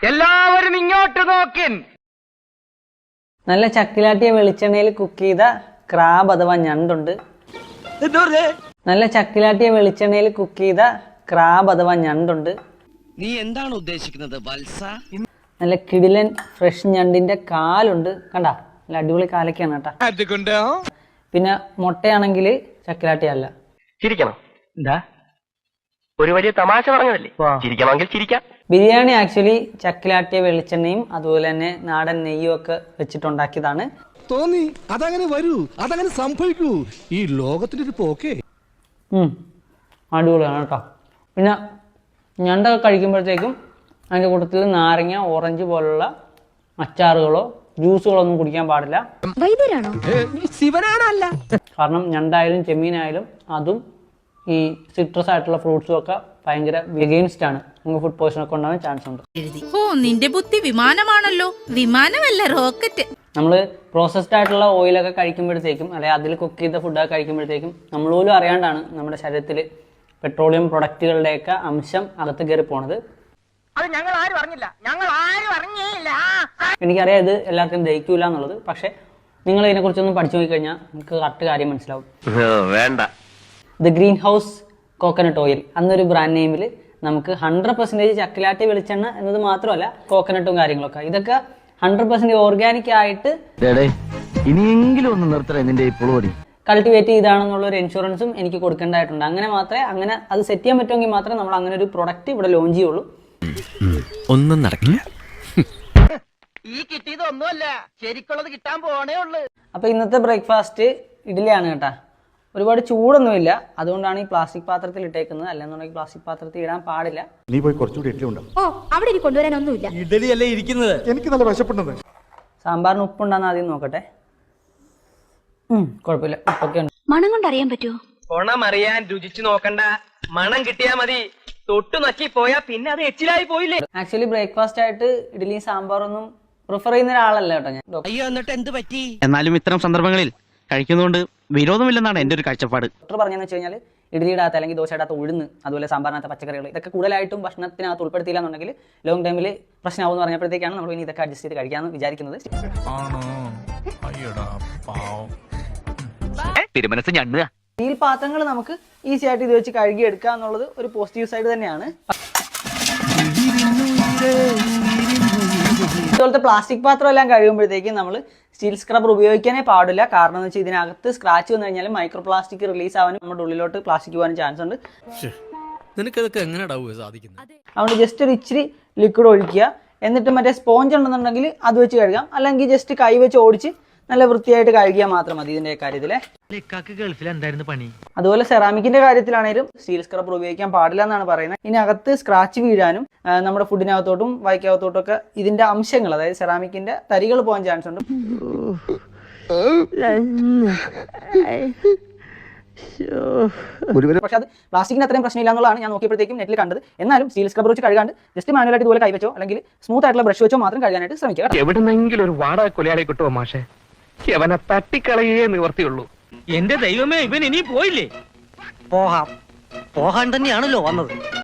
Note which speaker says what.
Speaker 1: എല്ലാവരും ഇങ്ങോട്ട് നോക്കിൻ.
Speaker 2: നല്ല ചക്കിലാട്ടിയ വെളിച്ചെണ്ണയിൽ കുക്ക് ചെയ്ത ക്രാബ് അഥവാ ഞണ്ടുണ്ട്. നല്ല ചക്കിലാട്ടിയ വെളിച്ചെണ്ണയിൽ കുക്ക് ചെയ്ത ക്രാബ് അഥവാ ഞണ്ടുണ്ട്.
Speaker 3: നീ എന്താണ് ഉദ്ദേശിക്കുന്നത് വത്സ?
Speaker 2: നല്ല കിടിലൻ ഫ്രഷ് ഞണ്ടിന്റെ കാലുണ്ട്. കണ്ട, നല്ല അടിപൊളി കാലൊക്കെയാണ് കേട്ടാ. പിന്നെ മുട്ടയാണെങ്കിൽ ചക്കിലാട്ടിയല്ല.
Speaker 1: ചിരിക്കണം. എന്താ ഒരു വലിയ തമാശ പറഞ്ഞതല്ലേ? ചിരിക്കണമെങ്കിൽ ചിരിക്കാം.
Speaker 2: ബിരിയാണി ആക്ച്വലി ചക്കിലാട്ടിയ വെളിച്ചെണ്ണയും അതുപോലെ തന്നെ നാടൻ നെയ്യും ഒക്കെ വെച്ചിട്ടുണ്ടാക്കിയതാണ്.
Speaker 4: തോന്നി അതങ്ങനെ വരൂ, അതങ്ങനെ സംഭവിക്കൂ. ഈ ലോകത്തിന്റെ ഒരു പോക്കേ.
Speaker 2: അടിപൊളിയാണ് കേട്ടോ. പിന്നെ ഞണ്ടൊക്കെ കഴിക്കുമ്പോഴത്തേക്കും അതിൻ്റെ കൂട്ടത്തിൽ നാരങ്ങ, ഓറഞ്ച് പോലുള്ള അച്ചാറുകളോ ജ്യൂസുകളോ ഒന്നും കുടിക്കാൻ പാടില്ല. കാരണം ഞണ്ടായാലും ചെമ്മീനായാലും അതും ഈ സിട്രസ് ആയിട്ടുള്ള ഫ്രൂട്ട്സും ഒക്കെ ഭയങ്കര എഗെയിൻസ്റ്റ് ആണ്. നമുക്ക് ഫുഡ് പോയ്സൺ ഒക്കെ ഉണ്ടാവാൻ ചാൻസ് ഉണ്ട്.
Speaker 5: ഓ, നിന്റെ ബുദ്ധി വിമാനമാണല്ലോ. വിമാനമല്ല, റോക്കറ്റ്.
Speaker 2: നമ്മൾ പ്രോസസ്ഡ് ആയിട്ടുള്ള ഓയിലൊക്കെ കഴിക്കുമ്പോഴത്തേക്കും അല്ലെങ്കിൽ അതിൽ കുക്ക് ചെയ്ത ഫുഡൊക്കെ കഴിക്കുമ്പോഴത്തേക്കും നമ്മൾ പോലും അറിയാണ്ടാണ് നമ്മുടെ ശരീരത്തിൽ പെട്രോളിയം പ്രൊഡക്റ്റുകളുടെയൊക്കെ അംശം അകത്ത് കയറി പോണത്.
Speaker 1: അത് ഞങ്ങൾ ആരും അറിഞ്ഞില്ല.
Speaker 2: എനിക്കറിയാം ഇത് എല്ലാവർക്കും ദഹിക്കൂല എന്നുള്ളത്. പക്ഷെ നിങ്ങൾ ഇതിനെക്കുറിച്ചൊന്നും പഠിച്ചു നോക്കിക്കഴിഞ്ഞാൽ നിങ്ങൾക്ക് കറക്റ്റ് കാര്യം മനസ്സിലാവും.
Speaker 1: വേണ്ട.
Speaker 2: The green house coconut oil എന്നൊരു ബ്രാൻഡ് നെയിമിൽ നമുക്ക് 100% ചക്കിലാട്ടി വെളിച്ചെണ്ണ എന്നത് മാത്രമല്ല കോക്കനട്ടും കാര്യങ്ങളൊക്കെ ഇതൊക്കെ 100% ഓർഗാനിക് ആയിട്ട്
Speaker 6: ഇനിയെങ്കിലും ഒന്ന് നിർത്തണേ നിന്റെ ഈ പുളുപടി.
Speaker 2: കൾട്ടിവേറ്റ് ചെയ്താണെന്നുള്ള ഒരു ഇൻഷുറൻസും എനിക്ക് കൊടുക്കേണ്ടതായിട്ടുണ്ട്. അങ്ങനെ അത് സെറ്റ് ചെയ്യാൻ പറ്റുമെങ്കിൽ മാത്രമേ നമ്മൾ അങ്ങനെ ഒരു പ്രൊഡക്റ്റ് ഇവിടെ ലോഞ്ച് ചെയ്യുള്ളൂ.
Speaker 3: ഒന്നും നടക്കില്ല.
Speaker 1: ഈ കിട്ടിയത് ഒന്നുമല്ല, ശരിക്കുള്ളത് കിട്ടാൻ പോണേ ഉള്ളു.
Speaker 2: അപ്പൊ ഇന്നത്തെ ബ്രേക്ക്ഫാസ്റ്റ് ഇഡ്ഡലിയാണ് കേട്ടാ. ഒരുപാട് ചൂടൊന്നുമില്ല, അതുകൊണ്ടാണ് ഈ പ്ലാസ്റ്റിക് പാത്രത്തിൽ ഇട്ടേക്കുന്നത്. അല്ലെന്നുണ്ടെങ്കിൽ പ്ലാസ്റ്റിക് പാത്രത്തിൽ ഇടാൻ പാടില്ല.
Speaker 7: നീ പോയി കുറച്ചുകൂടി ഇഡ്ഡലി ഉണ്ടാവും.
Speaker 8: ഓ, അവിടെ ഇനി കൊണ്ടുവരാനൊന്നുമില്ല.
Speaker 4: ഇഡലി അല്ലേ ഇരിക്കുന്നത്.
Speaker 7: എനിക്ക് നല്ല വിശപ്പുണ്ടെന്ന്.
Speaker 2: സാമ്പാറിന് ഉപ്പുണ്ടാന്ന് ആദ്യം നോക്കട്ടെ. കുഴപ്പമില്ല, ഉപ്പൊക്കെ ഉണ്ട്.
Speaker 8: മണം കൊണ്ട് അറിയാൻ പറ്റുമോ?
Speaker 1: ഗുണമറിയാൻ രുചിച്ചു നോക്കണ്ട, മണം കിട്ടിയാ മതി. തൊട്ടു നക്കി പോയാ പിന്നെ അത് എച്ചിലായി പോയില്ലേ.
Speaker 2: ആക്ച്വലി ബ്രേക്ക്ഫാസ്റ്റ് ആയിട്ട് ഇഡ്ഡലിയും സാമ്പാറൊന്നും പ്രിഫർ ചെയ്യുന്ന ഒരാളല്ല കേട്ടോ ഞാൻ.
Speaker 3: അയ്യോ, എന്നിട്ട് എന്ത് പറ്റി?
Speaker 6: എന്നാലും ഇത്തരം സന്ദർഭങ്ങളിൽ കഴിക്കുന്നതുകൊണ്ട് വിരോധമില്ലെന്നാണ് എൻ്റെ ഒരു കാഴ്ചപ്പാട്.
Speaker 2: ഡോക്ടർ പറഞ്ഞതെന്ന് വെച്ച് കഴിഞ്ഞാൽ ഇഡ്ഡലിയിടാത്ത അല്ലെങ്കിൽ ദോശയിടാത്ത ഉഴുന്ന്, അതുപോലെ സാമ്പാറിനകത്ത പച്ചക്കറികൾ ഇതൊക്കെ കൂടുതലായിട്ടും ഭക്ഷണത്തിനകത്ത് ഉൾപ്പെടുത്തിയില്ല എന്നുണ്ടെങ്കിൽ ലോങ് ടൈമിൽ പ്രശ്നമാവും എന്ന് പറഞ്ഞപ്പോഴത്തേക്കാണ് നമ്മൾ ഇനി ഇതൊക്കെ അഡ്ജസ്റ്റ് ചെയ്ത് കഴിക്കാമെന്ന് വിചാരിക്കുന്നത്.
Speaker 6: തിരുമനസ് ഞണ്ടുക.
Speaker 2: സ്റ്റീൽ പാത്രങ്ങൾ നമുക്ക് ഈസി ആയിട്ട് ഇത് വെച്ച് കഴുകി എടുക്കുക എന്നുള്ളത് ഒരു പോസിറ്റീവ് സൈഡ് തന്നെയാണ്. ഇതുപോലത്തെ പ്ലാസ്റ്റിക് പാത്രം എല്ലാം കഴുകുമ്പോഴത്തേക്കും നമ്മൾ സ്റ്റീൽ സ്ക്രബ്ബർ ഉപയോഗിക്കാനേ പാടില്ല. കാരണം എന്ന് വെച്ചാൽ ഇതിനകത്ത് സ്ക്രാച്ച് വന്നു കഴിഞ്ഞാൽ മൈക്രോ പ്ലാസ്റ്റിക് റിലീസ് ആവാനും നമ്മുടെ ഉള്ളിലോട്ട് പ്ലാസ്റ്റിക് പോകാനും ചാൻസ് ഉണ്ട്.
Speaker 4: നിനക്കതൊക്കെ എങ്ങനെയാ സാധിക്കുന്നത്?
Speaker 2: അതുകൊണ്ട് ജസ്റ്റ് ഒരു ഇച്ചിരി ലിക്വിഡ് ഒഴിക്കുക. എന്നിട്ട് മറ്റേ സ്പോഞ്ച് ഉണ്ടെന്നുണ്ടെങ്കിൽ അത് വെച്ച് കഴുകാം. അല്ലെങ്കിൽ ജസ്റ്റ് കൈ വെച്ച് ഓടിച്ച് നല്ല വൃത്തിയായിട്ട് കഴുകിയാൽ മാത്രം മതി ഇതിന്റെ കാര്യത്തില്.
Speaker 6: ഗൾഫിൽ എന്തായിരുന്നു പണി?
Speaker 2: അതുപോലെ സെറാമിക്കിന്റെ കാര്യത്തിലാണെങ്കിലും സ്റ്റീൽ സ്ക്രബ്ബർ ഉപയോഗിക്കാൻ പാടില്ല എന്നാണ് പറയുന്നത്. ഇതിനകത്ത് സ്ക്രാച്ച് വീഴാനും നമ്മുടെ ഫുഡിനകത്തോട്ടും വായിക്കകത്തോട്ടും ഒക്കെ ഇതിന്റെ അംശങ്ങൾ, അതായത് സെറാമിക്കിന്റെ തരികൾ പോകാൻ ചാൻസ് ഉണ്ട്. പക്ഷെ അത് പ്ലാസ്റ്റിക്കിന് അത്രയും പ്രശ്നമില്ല എന്നുള്ളതാണ് ഞാൻ നോക്കിയപ്പോഴത്തേക്കും നെറ്റിൽ കണ്ടത്. എന്നാലും സ്റ്റീൽ സ്ക്രബ്ബർ വെച്ച് കഴുകാണ്ട് ജസ്റ്റ് മാനുവലായിട്ട് ഇതുപോലെ കൈവച്ചോ അല്ലെങ്കിൽ സ്മൂത്ത് ആയിട്ടുള്ള ബ്രഷ് വെച്ചോ മാത്രം കഴുകാനായിട്ട് ശ്രമിക്കുക.
Speaker 1: എവിടെന്നെങ്കിലും ഒരു വാടക കൊലയാളെ കിട്ടുമോ മാഷെ? അവനെ തട്ടിക്കളയേ നിവർത്തിയുള്ളൂ.
Speaker 3: എന്റെ ദൈവമേ, ഇവൻ ഇനി പോയില്ലേ?
Speaker 6: പോകാൻ തന്നെയാണല്ലോ വന്നത്.